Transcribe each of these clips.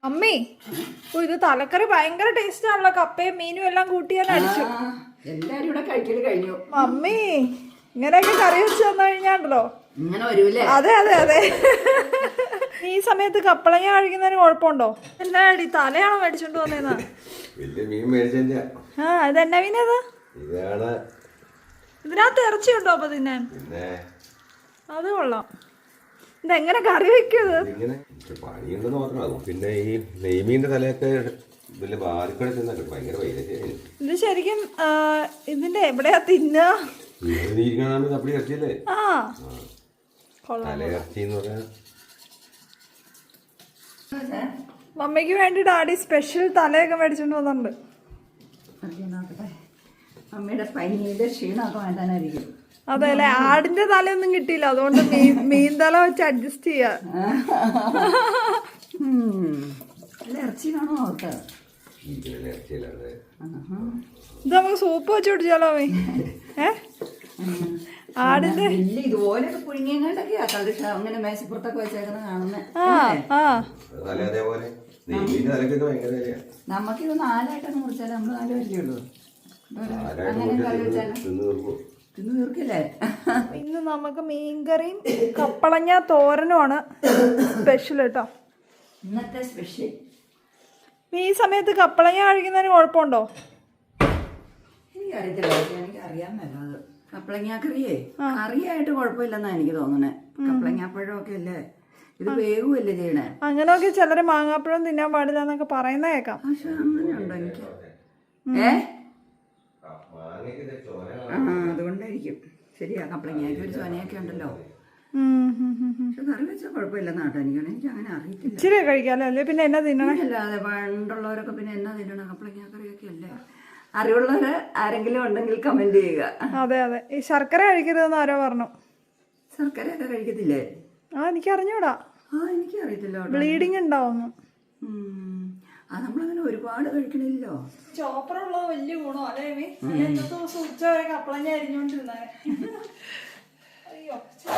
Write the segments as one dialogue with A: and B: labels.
A: അമ്മേ ഇത് തലക്കറി ഭയങ്കര ടേസ്റ്റ് ആണല്ലോ. കപ്പയും മീനും എല്ലാം കൂട്ടി ഞാൻ അടിച്ചു.
B: എല്ലാരും ഇവിടെ കഴിക്കല് കഴിഞ്ഞു.
A: അമ്മേ ഇങ്ങനെയൊക്കെ കറി വെച്ച് തന്നു കഴിഞ്ഞാണ്ടല്ലോ
B: ഇങ്ങനെ വരൂലേ?
A: അതെ അതെ അതെ. ഈ സമയത്ത് കപ്പളങ്ങ കഴിക്കുന്നതിന് കുഴപ്പമുണ്ടോ? എന്നാടി തലയാണോ മേടിച്ചോണ്ട് വന്നേന്നാ? ആ ഇതെന്നാ മീനത്? ഇതിനകത്ത് ഇറച്ചിയുണ്ടോ അപ്പൊ തിന്നാൻ? അത് കൊള്ളാം. ഇതെങ്ങനെ കറി വെക്കുന്നത്?
C: പിന്നെ ഈ നെയ്മീന്റെ തലയൊക്കെ ഭയങ്കര
A: ഇത് ശരിക്കും ഇതിന്റെ എവിടെയാ തിന്നാ? ആ മമ്മിക്ക് വേണ്ടി ഡാഡി സ്പെഷ്യൽ തലയൊക്കെ മേടിച്ചോണ്ട് വന്നിട്ടുണ്ട്.
B: അമ്മയുടെ പനിയുടെ ക്ഷീണമൊക്കെ മാറ്റാനായിരിക്കും.
A: അതെ അല്ലെ, ആടിന്റെ തലയൊന്നും കിട്ടിയില്ല, അതുകൊണ്ട് മീൻ തല വെച്ച് അഡ്ജസ്റ്റ് ചെയ്യാ.
B: ഇറച്ചി കാണോ അവർക്ക്?
A: ഇത് നമുക്ക് സൂപ്പ് വെച്ച് കുടിച്ചാലോ മീ? ആടിന്റെ
B: ഇതുപോലെയൊക്കെ പുഴുങ്ങിയങ്ങാണ്ടൊക്കെയാ അങ്ങനെ മേശപ്പുറത്തൊക്കെ വെച്ചേക്കുന്ന കാണുന്നത്. നമുക്കിത് 4ആയിട്ടൊക്കെ മുറിച്ചാലേ നമ്മള് 4 വരികയുള്ളൂ. അങ്ങനെ കറി വെച്ചാലും തിന്ന് തീർക്കില്ലേ?
A: ഇന്ന് നമുക്ക് മീൻകറിയും കപ്പളങ്ങ തോരനുമാണ് സ്പെഷ്യൽ കേട്ടോ.
B: ഇന്നത്തെ സ്പെഷ്യൽ.
A: ഈ സമയത്ത് കപ്പളങ്ങ കഴിക്കുന്നതിന് കുഴപ്പമുണ്ടോ?
B: എനിക്കറിയത്തില്ല, എനിക്ക് അറിയാൻ മേലത്. കപ്പളങ്ങ കറിയേ കറിയായിട്ട് കുഴപ്പമില്ലെന്നാ എനിക്ക് തോന്നണേ. കപ്പളങ്ങാപ്പഴമൊക്കെ അല്ലേ, ഇത് വേവുമല്ലേ ചെയ്യണേ.
A: അങ്ങനെയൊക്കെ ചിലര് മാങ്ങാപ്പഴം തിന്നാൻ പാടില്ല എന്നൊക്കെ പറയുന്ന കേൾക്കാം.
B: പക്ഷെ അങ്ങനെയുണ്ടോ എനിക്ക്? അതുകൊണ്ടായിരിക്കും. ശരിയാ, കപ്പളങ്ങയ്ക്ക് ഒരു ചോനയൊക്കെ ഉണ്ടല്ലോ. പക്ഷെ കറി വെച്ചാൽ കുഴപ്പമില്ലെന്ന് കേട്ടോ. എനിക്ക് അങ്ങനെ അറിയത്തില്ല.
A: ഇച്ചിരി കഴിക്കാമല്ലോ, അല്ലേ പിന്നെ എന്നാ തിന്നണേ?
B: അല്ലാതെ പണ്ടുള്ളവരൊക്കെ പിന്നെ എന്നാ തിന്നണം? കപ്പളങ്ങ കറിയൊക്കെ അല്ലേ. അറിവുള്ളവര് ആരെങ്കിലും ഉണ്ടെങ്കിൽ കമന്റ് ചെയ്യുക.
A: അതെ അതെ. ഈ ശർക്കര കഴിക്കരുതെന്ന് ആരോ പറഞ്ഞു.
B: ശർക്കരയൊക്കെ കഴിക്കത്തില്ലേ?
A: എനിക്ക് അറിഞ്ഞൂടാ.
B: എനിക്ക് അറിയത്തില്ല.
A: ബ്ലീഡിങ് ഉണ്ടാവുന്നു.
B: നമ്മളങ്ങനെ ഒരുപാട് കഴിക്കണില്ലോ.
A: ചോപ്പറുള്ളത് വലിയ ഗുണം അല്ലേ? ഇന്നത്തെ ദിവസം ഉച്ച വരെ കപ്പളങ്ങ അരിഞ്ഞോണ്ടിരുന്നേ. അയ്യോ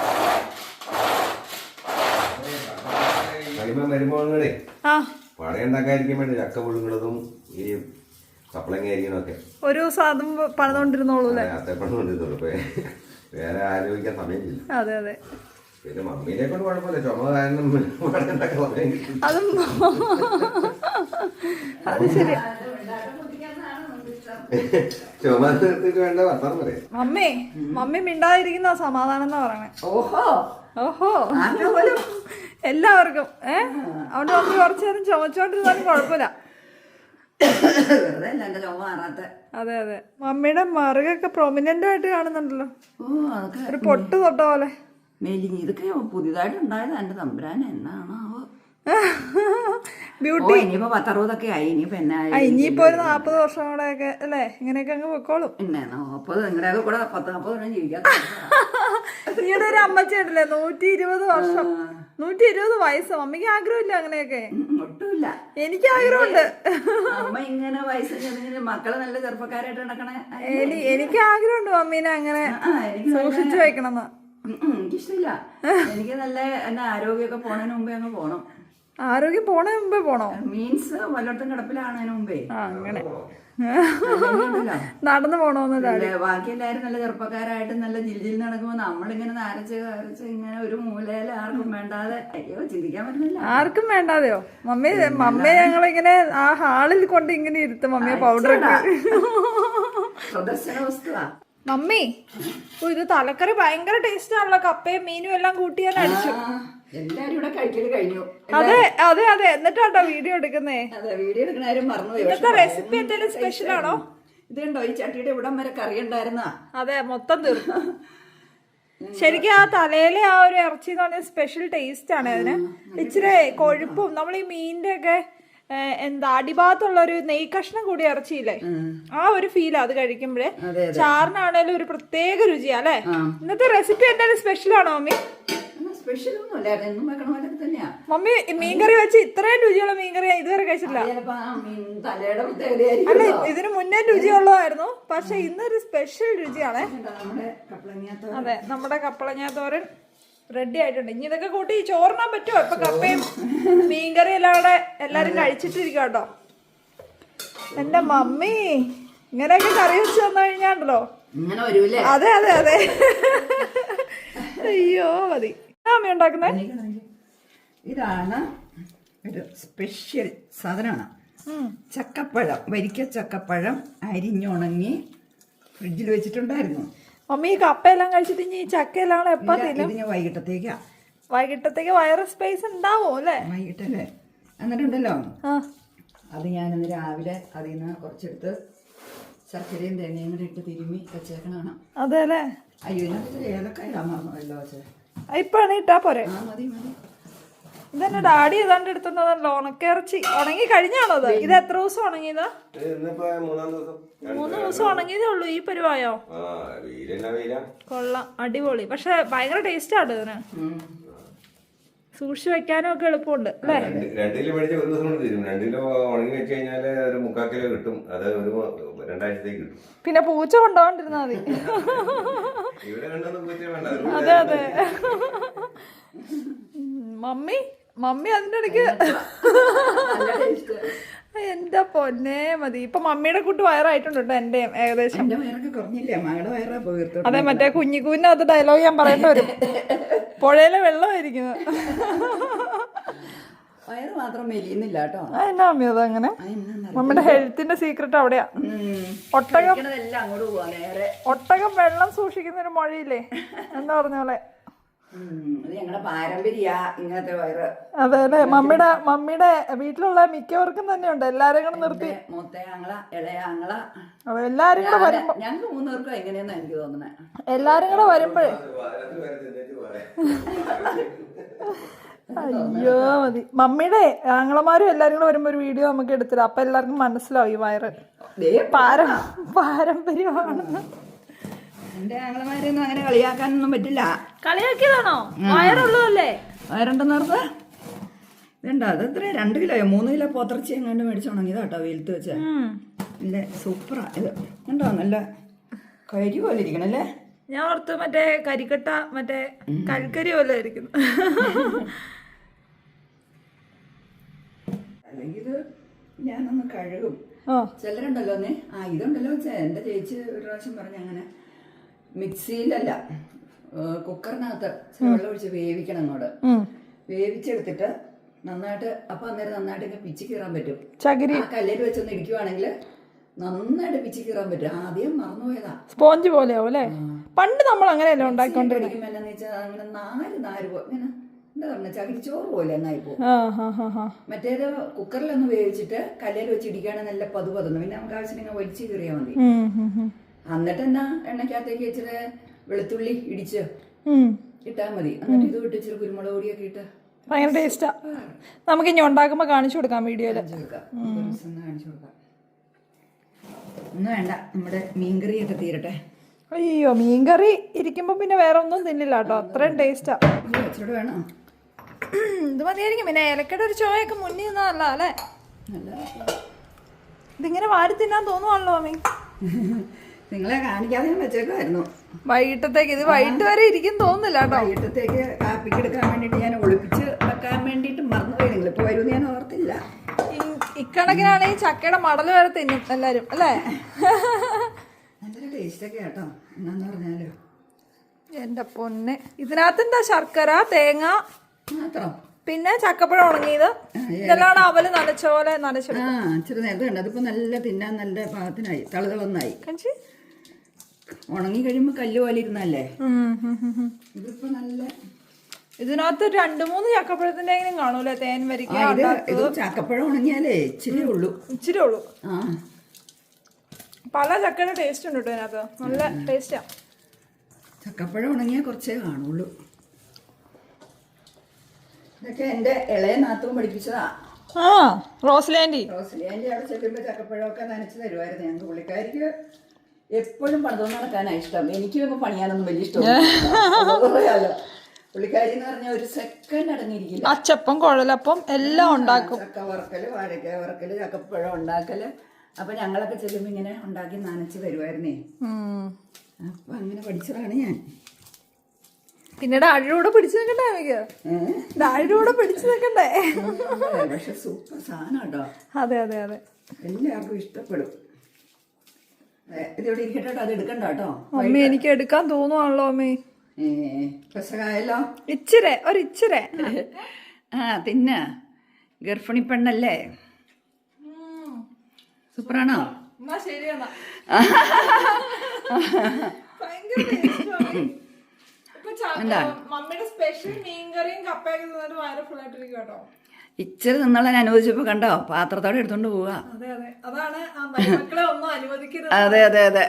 C: വരുമ്പോഴേ പഴയുണ്ടാക്കാതിരിക്കാൻ വേണ്ടി ചക്ക പുഴുങ്ങുന്നതും ഈ കപ്പളങ്ങ അരിക്കണമൊക്കെ ഒരു
A: ദിവസം അതും പണിതോണ്ടിരുന്നോളൂ അല്ലേ?
C: പണിതോണ്ടിരുന്നുള്ളൂ. വേറെ ആലോചിക്കാൻ സമയമില്ല.
A: അതെ അതെ.
C: പിന്നെ മമ്മീനെ കൊണ്ട് കുഴപ്പമില്ല, ചുമ കാരണം
A: അതും അത് ശരി.
C: ചുമ തീർത്തിട്ട് വേണ്ട വർത്തമാനം പറയാം.
A: മമ്മി മിണ്ടാതിരിക്കുന്ന സമാധാനം എന്നാ പറയണേ.
B: ഓഹോ
A: ഓഹോ എല്ലാവർക്കും അവിടെ മമ്മി കുറച്ചു നേരം ചുമച്ചോണ്ടിരുന്നാലും കുഴപ്പമില്ല. അതെ അതെ. മമ്മിയുടെ മറുകൊക്കെ പ്രൊമിനന്റ് ആയിട്ട് കാണുന്നുണ്ടല്ലോ, ഒരു പൊട്ട് തൊട്ട പോലെ.
B: മെലിഞ്ഞ് ഇതൊക്കെ പുതിയതായിട്ട് ഉണ്ടായത് എന്റെ തമ്പുരാന് എന്നാണോ
A: ബ്യൂട്ടി.
B: ഇനിയിപ്പോ 10-60 ആയി. ഇനിയിപ്പോ
A: ഇനിയിപ്പോ ഒരു 40 വർഷം കൂടെ ഒക്കെ അല്ലേ ഇങ്ങനെയൊക്കെ അങ്ങ് പൊക്കോളും.
B: പിന്നെ 40 നിങ്ങളുടെയൊക്കെ കൂടെ 10-40 ജീവിക്കാം.
A: ഈയുടെ ഒരു അമ്മച്ചേട്ടല്ലേ 120 വർഷം, 120 വയസ്സ്. മമ്മിക്ക് ആഗ്രഹമില്ല അങ്ങനെയൊക്കെ?
B: ഒട്ടുമില്ല.
A: എനിക്ക് ആഗ്രഹമുണ്ട്.
B: അമ്മ ഇങ്ങനെ വയസ്സ് മക്കള് നല്ല ചെറുപ്പക്കാരായിട്ട് നടക്കണേ.
A: എനിക്ക് ആഗ്രഹമുണ്ട് മമ്മീനെ അങ്ങനെ സൂക്ഷിച്ചു വെക്കണം.
B: എനിക്കിഷ്ടമില്ല. എനിക്ക് നല്ല എന്റെ ആരോഗ്യമൊക്കെ പോണതിന് മുമ്പേ അങ്ങ് പോണം.
A: ആരോഗ്യം പോണതിന് മുമ്പേ പോണോ?
B: മീൻസ് വല്ലയിടത്തും കിടപ്പിലാണതിന് മുമ്പേ
A: അങ്ങനെ നടന്നു പോണോന്നല്ലേ?
B: ബാക്കി എല്ലാവരും നല്ല ചെറുപ്പക്കാരായിട്ട് നല്ല ജില്ലിൽ നടക്കുമ്പോ നമ്മളിങ്ങനെ നരച്ച് ഇങ്ങനെ ഒരു മൂലയില് ആർക്കും വേണ്ടാതെ. അയ്യോ, ചിന്തിക്കാൻ പറ്റുന്നില്ല.
A: ആർക്കും വേണ്ടാതെയോ? മമ്മിയെ ഞങ്ങളിങ്ങനെ ആ ഹാളിൽ കൊണ്ട് ഇങ്ങനെ ഇരുത്തും. മമ്മിയെ പൗഡർ
B: പ്രദർശന വസ്തുവാ.
A: മമ്മി ഇത് തലക്കറി ഭയങ്കര ടേസ്റ്റ് ആണല്ലോ. കപ്പയും മീനും എല്ലാം കൂട്ടി ഞാൻ അടിച്ചു.
B: എല്ലാരും ഇവിടെ കഴിക്കല് കഴിഞ്ഞു.
A: അതെ അതെ അതെ. എന്നിട്ടാട്ടോ വീഡിയോ എടുക്കുന്നേ.
B: അതെ, വീഡിയോ എടുക്കണ കാര്യം മറന്നുപോയി.
A: ഇന്നത്തെ റെസിപ്പി എന്തെങ്കിലും സ്പെഷ്യൽ ആണോ?
B: ഇതുണ്ടോ ഈ ചട്ടിയുടെ ഇവിടം വരെ കറി ഉണ്ടായിരുന്ന?
A: അതെ, മൊത്തം തീർന്നു. ശരിക്കും ആ തലയിലെ ആ ഒരു ഇറച്ചി എന്ന് പറഞ്ഞ സ്പെഷ്യൽ ടേസ്റ്റ് ആണ് അതിന്. ഇച്ചിരി കൊഴുപ്പും നമ്മൾ ഈ മീനിന്റെ ഒക്കെ അടിഭാഗത്തുള്ള ഒരു നെയ് കഷ്ണം കൂടി ഇറച്ചിയില്ലേ, ആ ഒരു ഫീൽ അത് കഴിക്കുമ്പോഴേ. ചാറിനാണേലും ഒരു പ്രത്യേക രുചിയാ അല്ലെ? ഇന്നത്തെ റെസിപ്പി എന്തായാലും സ്പെഷ്യൽ ആണോ മമ്മി? മമ്മി മീൻകറി വെച്ച് ഇത്രയും രുചിയുള്ള മീൻകറി ഇതുവരെ കഴിച്ചിട്ടില്ല. അല്ല, ഇതിന് മുന്നേ രുചിയുള്ളതായിരുന്നു, പക്ഷെ ഇന്നൊരു സ്പെഷ്യൽ രുചിയാണ്. അതെ, നമ്മുടെ കപ്പളങ്ങ തോരൻ റെഡി ആയിട്ടുണ്ട്. ഇനി ഇതൊക്കെ കൂട്ടി ചോറിനാൻ പറ്റുമോ? ഇപ്പൊ കപ്പയും മീൻകറി എല്ലാം കൂടെ എല്ലാരും കഴിച്ചിട്ടിരിക്കും കേട്ടോ. എന്റെ മമ്മി ഇങ്ങനെയൊക്കെ കറി വെച്ച് തന്നു കഴിഞ്ഞാണ്ടല്ലോ.
B: ഇങ്ങനെ വരൂലേ?
A: അതെ അതെ അതെ. അയ്യോ മതി. അമ്മ ഉണ്ടാക്കുന്നേ
B: ഇതാണ് ഒരു സ്പെഷ്യൽ സാധനമാണ്. ചക്കപ്പഴം, വരിക്ക ചക്കപ്പഴം അരിഞ്ഞുണങ്ങി ഫ്രിഡ്ജിൽ വെച്ചിട്ടുണ്ടായിരുന്നു.
A: മമ്മി ഈ കപ്പയെല്ലാം കഴിച്ചിട്ട് ഇനി ഈ ചക്കയെല്ലാം എപ്പാ തിന്നും?
B: ഇതിന് വൈകിട്ടത്തേക്കാ.
A: വൈകിട്ടത്തേക്ക് വയറ് സ്പേസ് ഉണ്ടാവോ അല്ലേ?
B: വൈകിട്ടല്ലേ? എന്നിട്ടുണ്ടല്ലോ
A: ആ
B: അത് ഞാനിന്ന് രാവിലെ അതിൽ നിന്ന് കുറച്ചെടുത്ത് ശർക്കരയും തേങ്ങയും കൂടി ഇട്ട് തിരുമ്മി വെച്ചേക്കണാണ്.
A: അതെ അല്ലേ?
B: അയ്യോ ഇതിനകത്ത് ഏലക്കായ ഇടാൻ മറന്നല്ലോ.
A: ഇപ്പാണ് ഇട്ടാ പോരെ?
B: ആ മതി മതി.
A: ഇതെന്നെ ഡാഡി ഏതാണ്ട് എടുത്തുണ്ടല്ലോ ഉണക്കിറച്ചി. ഉണങ്ങി കഴിഞ്ഞാണോ അത്? ഇത് എത്ര ദിവസം ഉണങ്ങിയതാ? 3 ദിവസം ഉണങ്ങിയതേ ഉള്ളൂ. ഈ പരിവായോ? കൊള്ളാം, അടിപൊളി. പക്ഷെ ഭയങ്കര ടേസ്റ്റ് ആണ് ഇതിന്. സൂക്ഷിച്ചു വെക്കാനും ഒക്കെ എളുപ്പമുണ്ട് അല്ലേ?
C: 2 കിലോ മേടിച്ച 1 ദിവസം കൊണ്ട് തീരും. 2 കിലോ ഉണങ്ങി വെച്ച് കഴിഞ്ഞാല് ഒരു 3/4 കിലോ കിട്ടും. അത് ഒരു 2 ആഴ്ചത്തേക്ക് കിട്ടും.
A: പിന്നെ പൂച്ച കൊണ്ടുപോകണ്ടിരുന്നാ മതി.
C: ഇവിടെ കണ്ടൊന്നും പൂച്ച വേണ്ട.
A: അതെ അതെ. മമ്മി അതിന്റെ ഇടയ്ക്ക് എന്റെ പൊന്നെ മതി. ഇപ്പൊ മമ്മിയുടെ കൂട്ട് വയറായിട്ടുണ്ട് കേട്ടോ. എന്റെ ഏകദേശം.
B: എന്റെ വയറൊക്കെ കുറഞ്ഞില്ലേ? മകളുടെ വയറാ പോയി.
A: അതെ, മറ്റേ കുഞ്ഞിക്കൂവിനകത്ത് ഡയലോഗ് ഞാൻ പറയേണ്ടി വരും. പുഴയിലെ വെള്ളമായിരിക്കുന്നത്.
B: വയറ് മാത്രം മെലിയുന്നില്ല കേട്ടോ.
A: എന്നാ മമ്മി അതങ്ങനെ? മമ്മിയുടെ ഹെൽത്തിന്റെ സീക്രട്ട് അവിടെയാ. ഒട്ടകം
B: അങ്ങോട്ട് പോവാ നേരെ.
A: ഒട്ടകം വെള്ളം സൂക്ഷിക്കുന്ന ഒരു മൊഴിയില്ലേ, എന്താ പറഞ്ഞ പോലെ.
B: അത് ഞങ്ങളുടെ പാരമ്പര്യ ഇങ്ങനത്തെ വയറ്.
A: അതെ അല്ലെ? മമ്മിയുടെ വീട്ടിലുള്ള മിക്കവർക്കും തന്നെ ഉണ്ട്. എല്ലാരും കൂടെ നിർത്തി
B: മൂത്ത ആങ്ങള, ഇളയ ആങ്ങള,
A: എല്ലാരും കൂടെ വരുമ്പോ
B: ഞങ്ങൾക്ക് 3 പേർക്കും എങ്ങനെയാന്നാ എനിക്ക് തോന്നുന്നത്.
A: എല്ലാരും കൂടെ വരുമ്പോഴേ അയ്യോ മതി. മമ്മിയുടെ ആങ്ങളമാരും എല്ലാരും കൂടെ വരുമ്പോ ഒരു വീഡിയോ നമുക്ക് എടുത്തിടാം. അപ്പൊ എല്ലാവർക്കും മനസ്സിലാവും ഈ വയറ് പാരമ്പര്യമാണ്.
B: എന്റെ ആങ്ങളമാരെയൊന്നും അങ്ങനെ കളിയാക്കാനൊന്നും പറ്റില്ല.
A: കളിയാക്കിയതാണോ? വയറുള്ളതല്ലേ?
B: വയറുണ്ടെന്ന് ഓർത്ത് ഇതുണ്ടോ? അത് എത്ര 2 കിലോയോ 3 കിലോ പോത്തിറച്ചി എങ്ങാണ്ട് മേടിച്ചുണങ്ങിയതാ കേട്ടോ വെയിലത്ത് വെച്ച. നല്ല സൂപ്പറാ ഇത്. ഉണ്ടോ? നല്ല കരി പോലെ ഇരിക്കണല്ലേ?
A: ഞാൻ ഓർത്ത് മറ്റേ കരിക്കട്ട, മറ്റേ കൽക്കരി പോലെ ഇരിക്കുന്നു.
B: അല്ലെങ്കിൽ ഇത് ഞാനൊന്ന് കഴുകും. ചിലരുണ്ടല്ലോ ഇതുണ്ടല്ലോ എന്റെ ചേച്ചി ഒരു പ്രാവശ്യം പറഞ്ഞ അങ്ങനെ മിക്സിയിലല്ല കുക്കറിനകത്ത് വെള്ളം ഒഴിച്ച് വേവിക്കണം. അങ്ങോട്ട് വേവിച്ചെടുത്തിട്ട് നന്നായിട്ട് അപ്പൊ അന്നേരം നന്നായിട്ട് ഇങ്ങനെ പിച്ചി കീറാൻ പറ്റും. ആ കല്ലിൽ വെച്ചൊന്ന് ഇടിക്കുവാണെങ്കിൽ നന്നായിട്ട് പിച്ചി കീറാൻ പറ്റും. ആദ്യം മറന്നുപോയതാ. സ്പോഞ്ച് പോലെയാവും അല്ലേ? പണ്ട് നമ്മൾ അങ്ങനെയല്ലേ ഉണ്ടാക്കിക്കൊണ്ടിരിക്കും. എന്നാന്ന് വെച്ചാൽ അങ്ങനെ നാര് ഇങ്ങനെ എന്താ പറഞ്ഞ ചകിരിച്ചോറ് പോലെ എന്നായിപ്പോ. മറ്റേത് കുക്കറിലൊന്ന് വേവിച്ചിട്ട് കല്ലിൽ വെച്ച് ഇടിക്കുകയാണെങ്കിൽ നല്ല പതുപതുന്നു. പിന്നെ നമുക്ക് ആവശ്യമിങ്ങനെ വലിച്ചു കീറിയാൽ മതി. എന്നിട്ട് എന്നാ എണ്ണക്കകത്തേക്ക് ഇച്ചിരി വെളുത്തുള്ളി ഇടിച്ച് ഇട്ടാൽ മതി. എന്നിട്ട് ഇത് വിട്ട് ഇച്ചിരി കുരുമുളക് പൊടിയൊക്കെ ഇട്ട് ഭയങ്കര ടേസ്റ്റാ. നമുക്ക് ഇനി ഉണ്ടാക്കുമ്പോ കാണിച്ചു കൊടുക്കാം. വീഡിയോയില് കാണിച്ചു കൊടുക്കാം. ഒന്നും വേണ്ട, നമ്മുടെ മീൻകറിയൊക്കെ തീരട്ടെ. അയ്യോ, മീൻകറി ഇരിക്കുമ്പോ പിന്നെ വേറെ ഒന്നും തിന്നില്ല കേട്ടോ. അത്രയും ടേസ്റ്റാ. ഇച്ചിരി വേണം. ഇത് മതിയായിരിക്കും. പിന്നെ ഏലക്കയുടെ ഒരു ചോയൊക്കെ മുന്നിൽ നിന്നല്ല അല്ലേ? ഇതിങ്ങനെ വാരി തിന്നാൻ തോന്നുവാണല്ലോ മമ്മി. നിങ്ങളെ കാണിക്കാതെ ഞാൻ വെച്ചേക്കുമായിരുന്നു വൈകിട്ടത്തേക്ക്. ഇത് വൈകിട്ട് വരെ ഇരിക്കും തോന്നുന്നില്ല കേട്ടോ. വൈകിട്ടത്തേക്ക് കാപ്പിക്ക് എടുക്കാൻ വേണ്ടിട്ട് ഞാൻ ഒളിപ്പിച്ച് വെക്കാൻ വേണ്ടിട്ട് മറന്നുപോയി. നിങ്ങൾ ഇപ്പൊ വരുമെന്ന് ഞാൻ ഓർത്തില്ല. ഇക്കണക്കിനാണെങ്കിൽ ചക്കയുടെ മടല് വരെ തിന്നും എല്ലാരും അല്ലേ? നല്ലൊരു ടേസ്റ്റൊക്കെ കേട്ടോ. എന്നാന്ന് പറഞ്ഞാലോ എന്റെ പൊന്നെ. ഇതിനകത്ത് എന്താ? ശർക്കര, തേങ്ങ മാത്രം, പിന്നെ ചക്കപ്പഴം ഉണങ്ങിയത്. ഇതെല്ലാം അവല് നനച്ച പോലെ നനച്ചെടുക്കും. നേരത്തെ ഉണ്ട്. അതിപ്പോ നല്ല തിന്നാൻ നല്ല പാകത്തിനായി, തളുതളന്നായി. ഉണങ്ങി കഴിയുമ്പോ കല്ല് പോലെ ഇരുന്നല്ലേ. ഇതിപ്പോ നല്ല ഇതിനകത്ത് 2-3 ചക്കപ്പഴത്തിന്റെ എങ്കിലും കാണൂല്ലേ? തേൻ വരിക്ക. ചക്കപ്പഴം ഉണങ്ങിയാലേ ഇച്ചിരി ഉള്ളൂ. പല ചക്കയുടെ ടേസ്റ്റ് ഉണ്ട് കേട്ടോ ഇതിനകത്ത്. നല്ല ടേസ്റ്റാ. ചക്കപ്പഴം ഉണങ്ങിയാൽ കുറച്ചേ കാണുള്ളൂ. ഇതൊക്കെ എന്റെ ഇളയ നാത്തവും പഠിപ്പിച്ചതാ. റോസ്ലാൻഡി അവിടെ ചെല്ലുമ്പോ ചക്കപ്പഴമൊക്കെ നനച്ച് തരുമായിരുന്നു ഞങ്ങൾക്ക്. പുള്ളിക്കാരിക്ക് എപ്പോഴും പണിതൊന്നും നടക്കാനാണ് ഇഷ്ടം. എനിക്ക് ഇപ്പൊ പണിയാനൊന്നും വലിയ ഇഷ്ടമല്ല. പുള്ളിക്കാരി എന്ന് പറഞ്ഞാൽ ഒരു സെക്കൻഡ് അടങ്ങിയിരിക്കില്ല. അച്ചപ്പം, കുഴലപ്പം എല്ലാം ഉണ്ടാക്കും. ചക്ക വറക്കല്, വാഴക്ക വറക്കല്, ചക്കപ്പഴം ഉണ്ടാക്കല്. അപ്പൊ ഞങ്ങളൊക്കെ ചെല്ലുമ്പോ ഇങ്ങനെ ഉണ്ടാക്കി നനച്ച് തരുമായിരുന്നേ. അപ്പൊ അങ്ങനെ പഠിച്ചതാണ് ഞാൻ.
A: പിന്നെ ഡാഡിയുടെ പിടിച്ചു നിൽക്കണ്ടേ എനിക്ക്, ഡാഡിയുടെ പിടിച്ചു നിൽക്കണ്ടേ.
B: പക്ഷെ സൂപ്പർ സാധനം കേട്ടോ.
A: അതെ അതെ അതെ,
B: എല്ലാവർക്കും ഇഷ്ടപ്പെടും. ഇതിവിടെ ഇരിക്കട്ടെ കേട്ടോ, അത് എടുക്കണ്ട കേട്ടോ.
A: അമ്മ എനിക്ക് എടുക്കാൻ തോന്നുവാണല്ലോ അമ്മേ.
B: രസമായല്ലോ.
A: ഒരിച്ചിരെ
B: തിന്ന ഗർഭിണി പെണ്ണല്ലേ, സൂപ്പറാണോ?
A: ശരിയാ. മമ്മിയുടെ സ്പെഷ്യൽ മീൻകറിയും കപ്പയൊക്കെ തിന്നിട്ട് വയറ് ഫുള്ളായിട്ടിരിക്കും കേട്ടോ.
B: ഇച്ചിരി തിന്നോളാൻ അനുവദിച്ചപ്പോ കണ്ടോ, പാത്രത്തോടെ എടുത്തോണ്ട് പോവാ.
A: അതെ അതെ, അതാണ് മക്കളെ ഒന്നും അനുവദിക്കരുത്.
B: അതെ അതെ അതെ.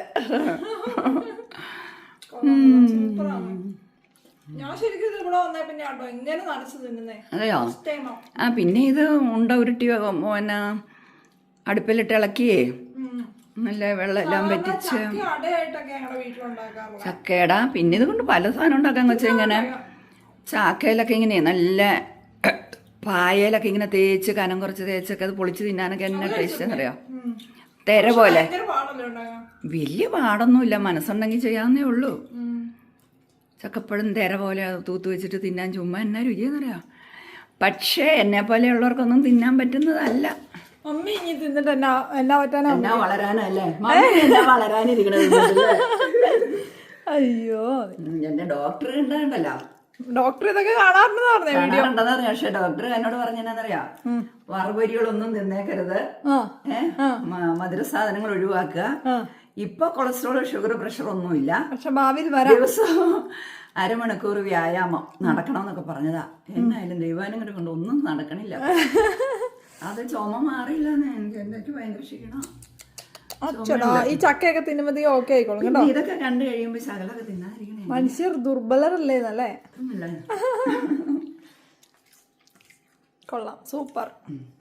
A: ഞാൻ ശരിക്കും ഇവിടെ വന്നേ പിന്നെ കേട്ടോ ഇങ്ങനെ നനച്ചു തിന്നുന്നേ.
B: അതെയോ? പിന്നെ ഇത് ഉണ്ട ഉരുട്ടി പിന്നെ അടുപ്പിലിട്ട് ഇളക്കിയേ നല്ല വെള്ളം എല്ലാം പറ്റിച്ച് ചക്കയുടെ. പിന്നെ ഇത് കൊണ്ട് പല സാധനം ഉണ്ടാക്കാന്ന് വെച്ചാൽ ഇങ്ങനെ ചാക്കയിലൊക്കെ ഇങ്ങനെ നല്ല പായയിലൊക്കെ ഇങ്ങനെ തേച്ച് കനം കുറച്ച് തേച്ചൊക്കെ അത് പൊളിച്ച് തിന്നാനൊക്കെ എന്നെ ടേസ്റ്റ് എന്നറിയാം. തെര പോലെ വലിയ പാടൊന്നുമില്ല, മനസ്സുണ്ടെങ്കിൽ ചെയ്യാവുന്നേ ഉള്ളൂ. ചക്കപ്പഴം തെര പോലെ തൂത്ത് വെച്ചിട്ട് തിന്നാൻ ചുമ്മാ എന്നാ രുചിയെന്നറിയാം. പക്ഷേ എന്നെ പോലെയുള്ളവർക്കൊന്നും തിന്നാൻ പറ്റുന്നതല്ല.
A: മമ്മി ഇനി തിന്നിട്ട് എന്നാ പറ്റാനാ,
B: എന്നാ വളരാനല്ലേ വളരാനിരിക്കണത്.
A: അയ്യോ
B: എന്റെ ഡോക്ടർ കണ്ടല്ലോ,
A: ഡോക്ടർ ഇതൊക്കെ കാണാറുണ്ടെന്ന്.
B: പക്ഷെ ഡോക്ടർ എന്നോട് പറഞ്ഞെന്നറിയാ, വറുപരികളൊന്നും തിന്നേക്കരുത്, മധുര സാധനങ്ങൾ ഒഴിവാക്കുക. ഇപ്പൊ കൊളസ്ട്രോൾ ഷുഗർ പ്രഷർ ഒന്നുമില്ല,
A: പക്ഷെ ഭാവിയിൽ
B: ദിവസവും അരമണിക്കൂർ വ്യായാമം നടക്കണമെന്നൊക്കെ പറഞ്ഞതാ. എന്നായാലും ദൈവാനുഗ്രഹം കൊണ്ട് ഒന്നും നടക്കണില്ല. അത് ചുമ മാറിയില്ല, എനിക്ക് ഭയങ്കര ക്ഷീണം.
A: ഈ ചക്കയൊക്കെ തിന്നുമ്പോ ഓക്കെ ആയിക്കോളും കേട്ടോ.
B: ഇതൊക്കെ കണ്ടു കഴിയുമ്പോ ശകലൊക്കെ തിന്നാതിരിക്കണേ.
A: മനുഷ്യർ ദുർബലരല്ലേ നല്ലേ. കൊള്ളാം, സൂപ്പർ.